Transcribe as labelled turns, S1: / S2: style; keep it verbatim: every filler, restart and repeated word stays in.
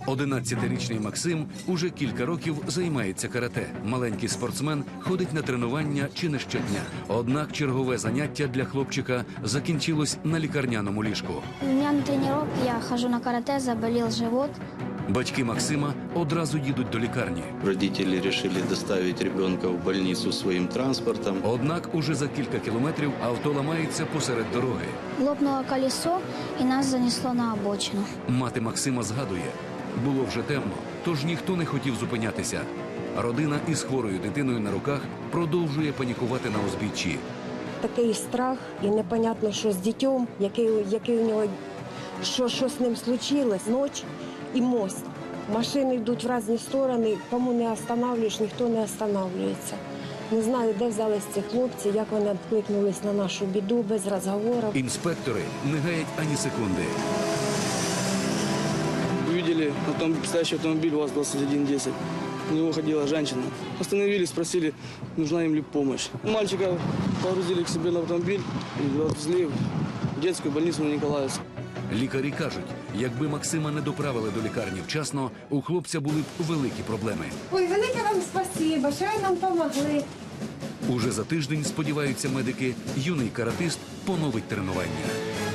S1: одинадцятирічний Максим уже кілька років займається карате. Маленький спортсмен ходить на тренування чи не щодня. Однак чергове заняття для хлопчика закінчилось на лікарняному ліжку.
S2: У меня на тренировке я хожу на карате, заболел живот.
S1: Батьки Максима одразу їдуть до лікарні.
S3: Родители решили доставить ребенка в больницу своим транспортом.
S1: Однак уже за кілька кілометрів авто ламається посеред дороги.
S2: Лопнуло колесо и нас занесло на обочину.
S1: Мати Максима згадує, було вже темно, тож ніхто не хотів зупинятися. Родина із хворою дитиною на руках продовжує панікувати на узбіччі.
S4: Такий страх і непонятно, що з дітьом, який, який у нього, що, що з ним случилось, ніч і мост. Машини йдуть в різні сторони, кому не останавливаєш, ніхто не останавливається. Не знаю, де взялись ці хлопці, як вони відкликнулись на нашу біду, без розговорів.
S1: Інспектори не гаять ані секунди.
S5: Увидели автомобиль, стоящий автомобиль ВАЗ двадцать один десять. В него ходила женщина. Остановились, спросили, нужна им ли помощь. Мальчика погрузили к себе на автомобиль и отвезли в детскую больницу на Николаевск.
S1: Лікарі кажуть, якби Максима не доправили до лікарні вчасно, у хлопця були б великі проблеми.
S6: Ой, велике вам спасибо, що ви нам допомогли.
S1: Уже за тиждень, сподіваються медики, юний каратист поновить тренування.